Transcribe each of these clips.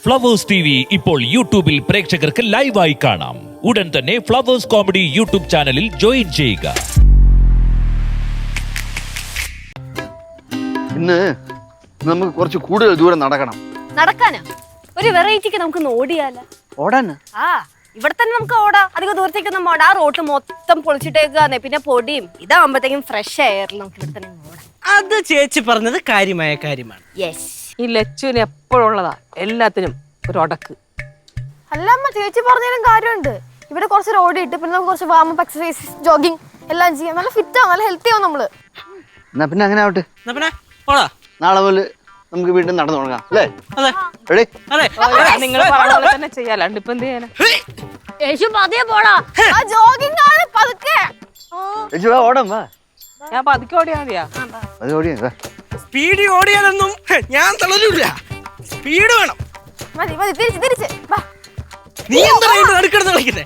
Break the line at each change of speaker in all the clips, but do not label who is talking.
Flowers TV ഇപ്പോൾ യൂട്യൂബിൽ പ്രേക്ഷകർക്ക് ലൈവായി കാണാം. ഉടൻ തന്നെ ഫ്ലവേഴ്സ് കോമഡി യൂട്യൂബ് ചാനലിൽ ജോയിൻ ചെയ്യുക.
ഇന്ന് നമുക്ക് കുറച്ച് കൂടുതൽ ദൂരം നടക്കണം.
നടക്കാനാ? ഒരു വെറൈറ്റിക്ക് നമുക്ക് ഓടിയാലോ?
ഓടാന്?
ആ, ഇവിടെ തന്നെ നമുക്ക് ഓടാം. അധികം ദൂരത്തേക്കൊന്നും ഓടാ. ആ റോഡ് മൊത്തം പൊളിച്ചിട്ടേക്കാന്നെ, പിന്നെ പൊടിയും ഇതാകുമ്പോഴത്തേക്കും ഫ്രഷ് എയറിൽ നമുക്ക് ഇവിടെ തന്നെ ഓടാം.
അത് ചേച്ചി പറഞ്ഞത് കാര്യമായ കാര്യമാണ്.
യെസ്.
ഈ ലച്ചുവിന് എപ്പോഴുള്ളതാ എല്ലാത്തിനും ഒരു ഒടക്ക്.
അല്ല അമ്മ, ചേച്ചി പറഞ്ഞാലും കാര്യമുണ്ട്. ഇവിടെ കുറച്ച് ഓടിയിട്ട് പിന്നെ നമുക്ക് കുറച്ച് വാമപ്പ് എക്സസൈസ്, ജോഗിങ് എല്ലാം ചെയ്യാം. നല്ല ഫിറ്റ് ആവും, നല്ല ഹെൽത്തി ആവും നമ്മള്.
എന്നാ പിന്നെ അങ്ങനെ ആവട്ടെ.
എന്നാ പിന്നെ ഓടാ.
നാളെ മുതൽ നമുക്ക് വീണ്ടും നടന്നു തുടങ്ങാം അല്ലേ?
അതെ
റെഡി?
അതെ.
നിങ്ങൾ പറഞ്ഞ പോലെ തന്നെ ചെയ്യാലോ. ഇപ്പൊ എന്ത് ചെയ്യാനാ?
യേശു പതിയെ പോടാ.
ആ ജോഗിങ് ആണ് പതുക്കെ.
ചേച്ചി വാ, ഓടാം വാ.
ഞാൻ പതുക്കെ ഓടിയാ മതിയാ?
അത് ഓടിയാ വാ.
സ്പീഡ് ഓടിയാലൊന്നും ഞാൻ തളരില്ല. സ്പീഡ് വേണം.
മതി മതി, തിരിച്ച് തിരിച്ച് വാ.
നീ എന്താ നടുക്കെടുത്ത് കളിക്കുന്നേ?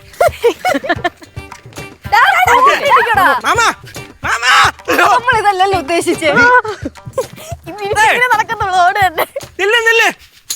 മാമാ മാമാ,
നമ്മൾ ഇതല്ലല്ലോ ഉദ്ദേശിച്ചേ. ഇങ്ങനെ നടക്കുന്നുള്ളൂ, ഓട് തന്നെ.
നില്ല് നില്ല്.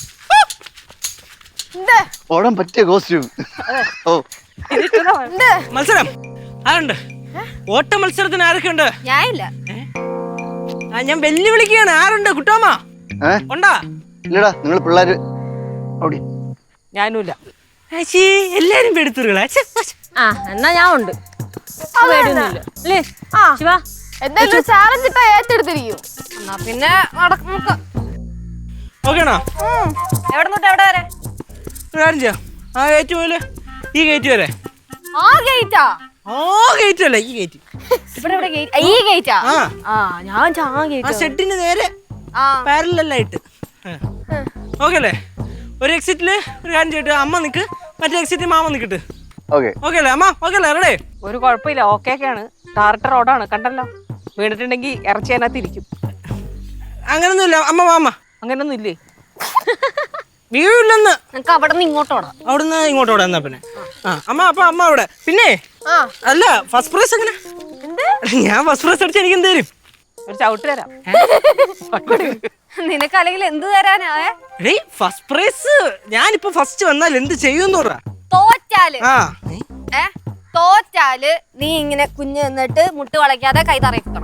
ഉണ്ട്
ഓടാൻ പറ്റിയ കോസ്റ്റ്യൂം. ഓ
ഉണ്ട്.
മത്സരം ആരുണ്ട്? ഓട്ട മത്സരത്തിന് ആരൊക്കെ ഉണ്ട്?
ഞാനില്ല.
ഞാൻ വെല്ലുവിളിക്കുകയാണ്. ആരുണ്ട്? കുട്ടോമ്മ ഉണ്ടാ?
ഇല്ലടാ, നിങ്ങൾ പിള്ളേര് ഓടി.
ഞാനുമില്ല.
ചേച്ചി എല്ലാരും പെടുത്തുകളാ.
ആ, എന്നാ ഞാൻ ഉണ്ട്. അല്ലേ
ആ,
ശിവ?
എന്തായാലും ചാലഞ്ച് ഇട്ടാ ഏറ്റെടുത്തിരിക്കും.
എന്നാ പിന്നെ നമുക്ക്
ഓക്കേണോ?
എവിടെ തൊട്ട് എവിടെ വരെ?
ഒരു കാര്യം ചെയ്യാം. ആ ഗേറ്റ് പോലെ ഈ ഗേറ്റ് വരെ.
ആ ഗേറ്റാ?
ആ ഗേറ്റ് അല്ല, ഈ ഗേറ്റ്.
ഇവിടെ ഇവിടെ ഗേറ്റ്? ഈ ഗേറ്റാ?
ആ
ആ, ഞാൻ
ആ
ഗേറ്റ്.
ഷെഡിന് നേരെ
ആ,
പാരലായിട്ട്. ഓക്കെ അല്ലേ? ഒരു എക്സിറ്റില് ഒരു കാര്യം ചെയ്തിട്ട് അമ്മ നിക്ക്, മറ്റേ എക്സിറ്റ് മാമ നിക്കട്ട്.
ഓക്കെ
ഓക്കെ അല്ലേ അമ്മ? ഓക്കെ അല്ലേ? റെഡി?
ഒരു കുഴപ്പമില്ല, ഓക്കെയൊക്കെയാണ്. ടാർട്ടർ റോഡാണ്, കണ്ടല്ലോ. വീണിട്ടുണ്ടെങ്കിൽ ഇറച്ചി അതിനകത്ത് ഇരിക്കും.
അങ്ങനൊന്നുമില്ല അമ്മ. മാമ
അങ്ങനൊന്നും ഇല്ലേ?
വീഴില്ലെന്ന്.
നിനക്ക് അവിടെ നിന്ന് ഇങ്ങോട്ടോടാ.
അവിടുന്ന് ഇങ്ങോട്ട് ഓടാ. എന്നാ പിന്നെ ആ അമ്മ. അപ്പൊ അമ്മ അവിടെ. പിന്നെ
ആ,
അല്ല, ഫസ്റ്റ് പ്രൈസ് എങ്ങനെ? ഞാൻ ഫസ്റ്റ് പ്രൈസ് അടിച്ച് എനിക്ക് എന്ത് തരും?
ഒരു ചവിട്ട് തരാം.
നിനക്ക് അല്ലെങ്കിൽ എന്ത് തരാനാ?
എടീ, ഫസ്റ്റ് പ്രൈസ് ഞാനിപ്പോ ഫസ്റ്റ് വന്നാൽ എന്ത് ചെയ്യുമെന്ന് പറ.
തോറ്റാല്
ആ
തോറ്റാല് നീ ഇങ്ങനെ കുഞ്ഞ് നിന്നിട്ട് മുട്ട് വളയ്ക്കാതെ കൈ തറയിക്കണം.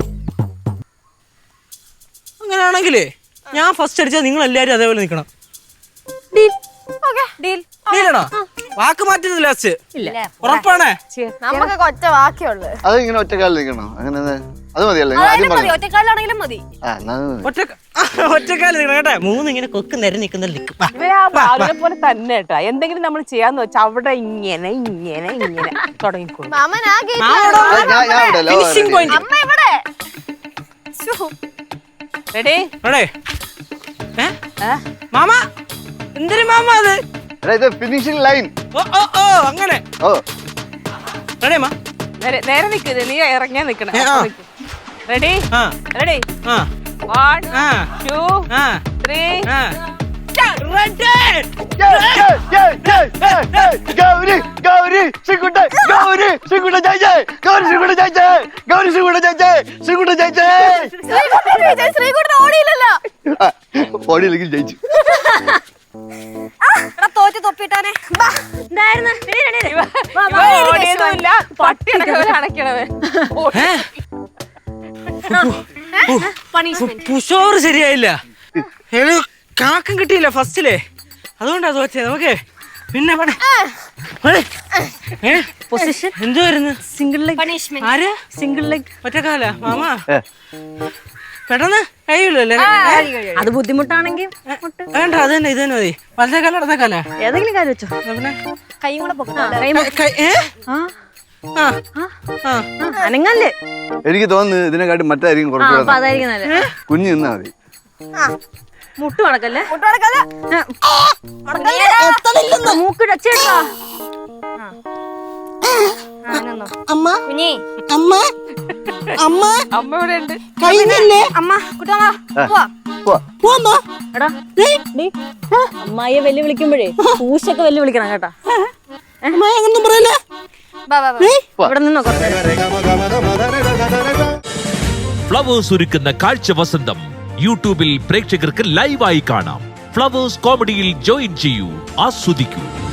അങ്ങനെയാണെങ്കിലേ ഞാൻ ഫസ്റ്റ് അടിച്ചാൽ നിങ്ങൾ എല്ലാരും അതേപോലെ നിൽക്കണം.
ഡീൽ?
ഡീലാണോ? വാക്ക് മാറ്റുന്നത് ലാസ്റ്റ് ഉറപ്പാണേ?
നമുക്ക് കൊച്ച ബാക്കിയുള്ളു.
അത് ഇങ്ങനെ ഒറ്റക്കാലിൽ നിൽക്കണോ? അങ്ങനെ അത് മതിയല്ലേ? നിങ്ങൾ ആദ്യം
മതി,
പറഞ്ഞു.
ഒറ്റക്കാലാണെങ്കിലും മതി.
ആ, എന്നാ അത് മതി.
ഒറ്റക്കാലം നിൽക്കണം കേട്ടെ. മൂന്ന് ഇങ്ങനെ കൊക്ക് നിര നിൽക്കുന്ന
ഇവര് ആ ബാലുവിനെ പോലെ തന്നെ കേട്ടോ. എന്തെങ്കിലും നമ്മൾ ചെയ്യാന്ന് വെച്ചാൽ അവിടെ ഇങ്ങനെ ഇങ്ങനെ ഇങ്ങനെ തുടങ്ങിക്കോളും.
മാമൻ ആ ഗേറ്റ്.
ഞാൻ ഇവിടെ അല്ല.
Finishing point.
അമ്മ ഇവിടെ.
റെഡി?
മാമ എന്തൊരു മാമ അത്?
എടാ, ഇത് ഫിനിഷിംഗ് ലൈൻ.
ഓ ഓ ഓ അങ്ങനെ.
ഓ
റെഡി അമ്മ?
നേരെ നിൽക്കുന്നത്, നീ ഇറങ്ങിയാ നിക്കണം. റെഡി?
ആ
റെഡി?
ആ
1
ആ
2
ആ
3
ആ.
ഗൗരി ഗൗരി ശ്രീകുട്ട ഗൗരി ശ്രീകുട്ട ജയിച്ചേ. ഗൗരി ശ്രീകുട്ട ജയിച്ചേ. ഗൗരി ശ്രീകുട്ട ജയിച്ചേ. ശ്രീകുട്ട ജയിച്ചേ.
ശ്രീകുട്ടൻ ഓടിയില്ലല്ലോ.
ഓടിയില്ലെങ്കിൽ ജയിച്ചു.
തോറ്റ് തൊപ്പിട്ടാനെ.
ഓടിയതുമില്ല, പട്ടി അടക്കവരെ അടയ്ക്കണവേ.
പുഷോർ ശരിയായില്ല. കാക്കം കിട്ടിയില്ല ഫസ്റ്റിലെ, അതുകൊണ്ടാ തോറ്റേ. നമുക്ക് പിന്നെ
പൊസിഷൻ
എന്തുവായിരുന്നു?
Single leg punishment.
ആര്?
Single leg.
ഒറ്റക്കാല മാമ പെട്ടെന്ന് കഴിയില്ലല്ലേ?
അത് ബുദ്ധിമുട്ടാണെങ്കിൽ
വേണ്ട, അത് തന്നെ, ഇത് തന്നെ മതി. വലത്തേക്കാല ഇടത്തേക്കാല
ഏതെങ്കിലും കാര്യം വെച്ചോ.
പിന്നെ
കൈയും കൂടെ
അനങ്ങല്ലേ?
എനിക്ക് തോന്നുന്നു ഇതിനെക്കാട്ടി മറ്റായിരിക്കും കുറച്ചുകൂടെ.
അതായിരിക്കും നല്ലത്.
കുഞ്ഞു നിന്നാ മതി.
മുട്ട് മടക്കല്ലേ?
മുട്ടടക്കല്ല.
മൂക്ക് ടച്ചേട്ടാ.
അമ്മ
കുഞ്ഞി
അമ്മ അമ്മ
അമ്മ ഇവിടെ ഉണ്ട്.
കഴിഞ്ഞില്ലേ?
അമ്മ കുട്ടമ്മ
പോവാ.
എടാ അമ്മായിയെ വെല്ലുവിളിക്കുമ്പോഴേ പൂശൊക്കെ വെല്ലുവിളിക്കണം കേട്ടാ.
അങ്ങനൊന്നും പറയല്ലേ?
ഇവിടെ നിന്നോ കുറച്ച്.
ഫ്ലവേഴ്സ് ഒരുക്കുന്ന കാഴ്ച വസന്തം യൂട്യൂബിൽ പ്രേക്ഷകർക്ക് ലൈവായി കാണാം. ഫ്ലവേഴ്സ് കോമഡിയിൽ ജോയിൻ ചെയ്യൂ, ആസ്വദിക്കൂ.